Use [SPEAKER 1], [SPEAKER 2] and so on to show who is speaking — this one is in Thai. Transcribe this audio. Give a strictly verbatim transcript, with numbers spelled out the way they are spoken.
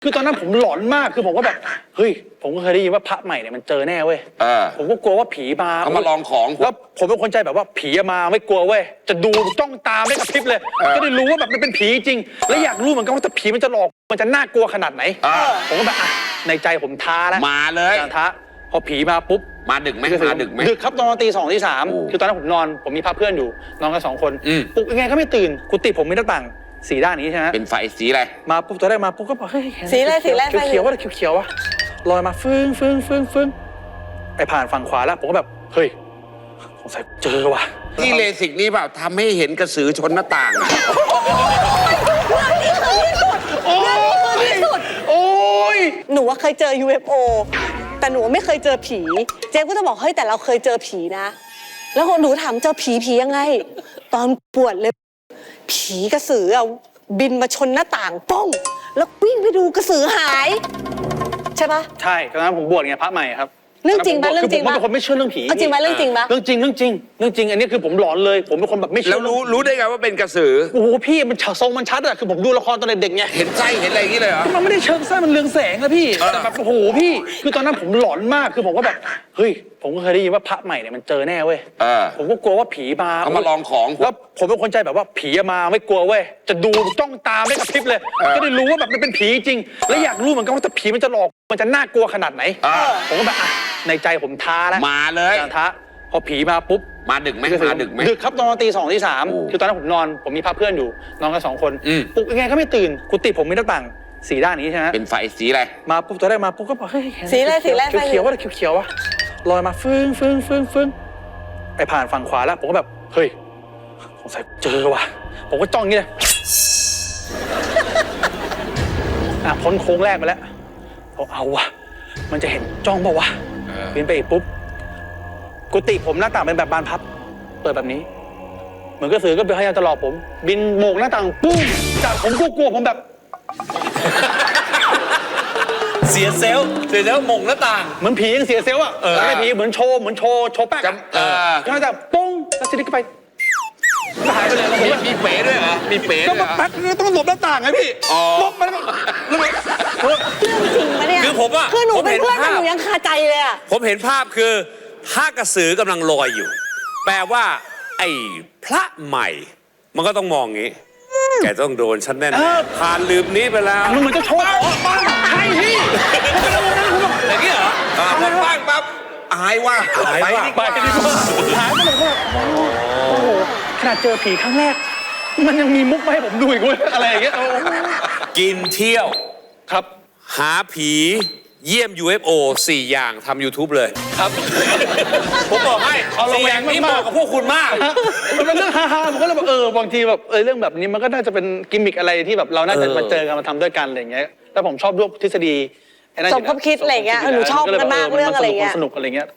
[SPEAKER 1] คือตอนนั้นผมหลอนมากคือผมก็แบบเฮ้ยผมก็เคยได้ยินว่าพระใหม่เนี่ยมันเจอแน่เว้ยผมก็กลัวว่าผีมา
[SPEAKER 2] เขามาลองของ
[SPEAKER 1] แล้วผมเป็นคนใจแบบว่าผีมาไม่กลัวเว้ยจะดูจ้องตาไม่กระพริบเลยก็ได้รู้ว่าแบบมันเป็นผีจริงแล้วอยากรู้เหมือนกันว่าถ้าผีมันจะหลอกมันจะน่ากลัวขนาดไหนผมก็แบบอ่ะในใจผมท้าแล้ว
[SPEAKER 2] มาเลย
[SPEAKER 1] ท้าพอผีมาปุ๊บ
[SPEAKER 2] มาดึกไหมมาดึกไหม
[SPEAKER 1] ดึกครับตอนตีสองตีสามคือตอนนั้นผมนอนผมมีพาเพื่อนอยู่นอนกันสองคนปลุกยังไงก็ไม่ตื่นกุฏิผมมีหน้าต่างสีด้านนี้ใช่ไหม
[SPEAKER 2] เป็นไฟสีอะไร
[SPEAKER 1] มาปุ๊บตัวแรกมาปุ๊บก็บอกเฮ้ย
[SPEAKER 3] สีอะไรสีอะไร
[SPEAKER 1] เขียวๆว่าเขียวๆวะลอยมาฟึ้งฟึ้งฟึ้งฟึ้งไปผ่านฝั่งขวาแล้วผมก็แบบเฮ้ยสงสัยเจอว่ะ
[SPEAKER 2] ที่เลสิกนี่แบบทำให้เห็นกระสือชนหน้าต่าง
[SPEAKER 3] เรื่องนี้คือที่สุดเรื่องนี้คือที่สุด
[SPEAKER 1] โอ้ย
[SPEAKER 3] หนูว่าเคยเจอ ยู เอฟ โอ แต่หนูไม่เคยเจอผีเจ๊ก็จะบอกเฮ้ยแต่เราเคยเจอผีนะแล้วหนูถามเจอผีผียังไงตอนปวดเลยผีกระสืออะบินมาชนหน้าต่างป้องแล้ววิ่งไปดูกระสือหายใช่ปะ
[SPEAKER 1] ใช่ตอนนั้นผมบวชไงพระใหม่ครับ
[SPEAKER 3] เรื่องจริงปะเรื่องจริง
[SPEAKER 1] ปะผมเป็นคนไม่เชื่อเรื่องผี
[SPEAKER 3] จริงปะเรื่องจริงปะ
[SPEAKER 1] เรื่องจริงเรื่องจริงเรื่องจริงอันนี้คือผมหลอนเลยผมเป็นคนแบบไม่เชื่อ
[SPEAKER 2] แล้วรู้รู้ได้ไงว่าเป็นกระสือ
[SPEAKER 1] โอ้โหพี่มันทรงมันชัดอะคือผมดูละครตอนเด็กๆไง
[SPEAKER 2] เห็นไส้เห็นอะไรอย่างนี้เลยเหรอ
[SPEAKER 1] มันไม่ได้เชิงไส้มันเรืองแสงนะพี่แต่แบบโอ้โหพี่คือตอนนั้นผมหลอนมากคือผมก็แบบเฮ้ยผมก็เคยได้ยินว่าพระใหม่เนี่ยมันเจอแน่เว้ยผมก็กลัวว่าผีมา
[SPEAKER 2] เขามาลองของ
[SPEAKER 1] แล้วผมเป็นคนใจแบบว่าผีมาไม่กลัวเว้ยจะดูจ้องตาไม่กระพริบเลยก็ได้รู้ว่าแบบมันเป็นผีจริงแล้วอยากรู้เหมือนกันว่าถ้าผีมันจะหลอกมันจะน่ากลัวขนาดไหนผมก็แบบอ่ะในใจผมท้าแล้ว
[SPEAKER 2] มาเลย
[SPEAKER 1] ท้าพอผีมาปุ๊บ
[SPEAKER 2] มาดึกไหมมาดึกไหม
[SPEAKER 1] ดึกครับตอนตีสองตีสามคือตอนนั้นผมนอนผมมีพาเพื่อนอยู่นอนกันสองคนปลุกยังไงก็ไม่ตื่นกุฏิผมมีหน้าต่างสีด้านนี้ใช่ไหม
[SPEAKER 2] เป็นไฟสีอะไร
[SPEAKER 1] มาปุ๊บตัวแรกมาปุ๊บก็บอกเฮ้ย
[SPEAKER 3] สีอะไรสีอะไร
[SPEAKER 1] เขียวๆว่าเขียวๆวะลอยมาฟึ้งฟึ้งฟึ้งฟึ้งไปผ่านฝั่งขวาแล้วผมก็แบบเฮ้ยสงสัยเจอว่ะผมก็จ้องอย่างนี้เลยอ่ะพ้นโค้งแรกไปแล้วผมเอาว่ะมันจะเห็นจ้องป่าวะบินไปอีกปุ๊บกุฏิผมหน้าต่างเป็นแบบบานพับเปิดแบบนี้เหมือนกระสือก็พยายามจะหลอกผมบินโบกหน้าต่างปุ้งจากผมกลัวๆผมแบบ
[SPEAKER 4] เสียเซลล์เสียเซลล์มงหน้าต่าง
[SPEAKER 1] เหมือนผียังเสียเซลล์อ่ะไม่ผีเหมือนโชว์เหมือนโชว์โชว์แป๊กก็จะปุ้งแล้วทีนี้ก็ไปหายไปเลย
[SPEAKER 2] มีมีเป๋ด้วยเหรอมีเป๋
[SPEAKER 1] ก็มาแป๊กต้องหลบหน้าต่างไงพี่ลบมาแล้ว
[SPEAKER 3] เรื่องจริงปะเนี่ย
[SPEAKER 4] คือผมอ่ะ
[SPEAKER 3] คือหนูเป็นเพื่อนกันหนูยังคาใจเลยอ่ะ
[SPEAKER 4] ผมเห็นภาพคือถ้ากระสือกำลังลอยอยู่แปลว่าไอ้พระใหม่มันก็ต้องมองงี้แกต้องโดนฉันแน่ๆผ่านลืมนี้ไปแล้ว
[SPEAKER 1] มันเหมือนจะโชว์บ้างใช่พี่
[SPEAKER 4] อย่างนี้เหรอ
[SPEAKER 2] พอปั้งปั๊บอายว่า
[SPEAKER 4] หายว่า
[SPEAKER 1] ไปดีกว่าหายไปเลยว่าโอ้โหขนาดเจอผีครั้งแรกมันยังมีมุกมาให้ผมดูอีกเว้ยอะไรอย่างเงี้ย
[SPEAKER 4] กินเที่ยว
[SPEAKER 1] ครับ
[SPEAKER 4] หาผีเยี่ยม ยู เอฟ โอ สี่อย่างทำ ยูทูบ เลย
[SPEAKER 1] ครับ
[SPEAKER 4] ผมบอกให้สี่อย่างนี้เหมาะกับพวกคุณมาก
[SPEAKER 1] มันเป็นเรื่องฮาๆผมก็เลยแบบเออบางทีแบบเออเรื่องแบบนี้มันก็น่าจะเป็นกิมมิคอะไรที่แบบเราน่าจะมาเจอกันมาทำด้วยกันอะไรอย่างเงี้ยแล้วผมชอบด้วยทฤษฎี
[SPEAKER 3] สมคบคิดอะไรเงี้ยหนูชอบกันมากเรื่องอะไรเงี้ย
[SPEAKER 1] สนุกอะไรเงี้ย